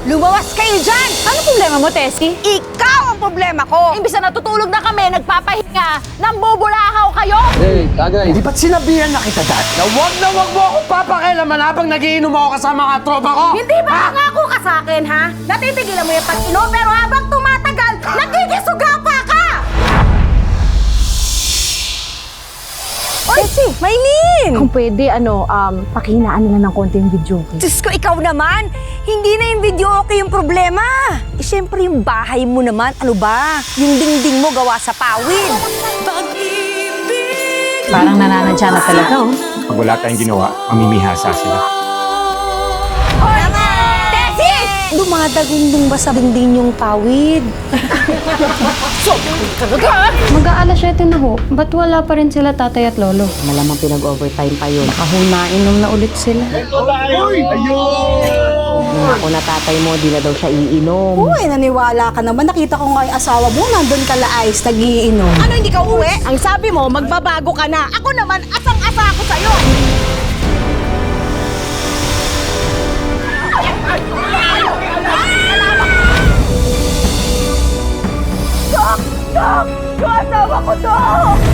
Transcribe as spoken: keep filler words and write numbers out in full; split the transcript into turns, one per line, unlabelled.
Lumawas kayo dyan!
Ano problema mo, Tessie?
Ikaw ang problema ko!
Imbis na natutulog na kami, nagpapahinga, nambubulahaw kayo!
Hey, tagay.
Di ba't sinabihan na kita dad na wag na wag mo akong papakialaman habang nagiinom ako kasama mga tropa ko?
Hindi ba nangako ka sa akin, ha? Natitigilan mo yung pag-inom, pero habang tumatagal, nagkikisugapa ka! Oy, Maylin!
Kung pwede, ano, um, pakihinaan na lang ng konti yung video.
Diyos ko, ikaw naman! Hindi na yung video okay yung problema! Eh, syempre yung bahay mo naman, ano ba? Yung dingding mo gawa sa pawid!
Parang nananadya na talaga, oh.
Pag wala tayong ginawa, mamimihasa sila.
Hoy! Tessie! Dumadagundong ba sa dingding yung pawid?
Mag-aalas siyete na ho. Ba't wala pa rin sila tatay at lolo?
Malamang pinag-overtime pa yun.
Kahunainom na ulit sila.
Ako na tatay mo, di na daw siya iinom.
Uy, naniwala ka naman. Nakita ko nga yung asawa mo, nandun ka laayos, nag-iinom.
Ano, hindi ka uwi? Ang sabi mo, magbabago ka na. Ako naman, asang-asa ako sa'yo! Dok! Dok! Yung asawa ko, Dok!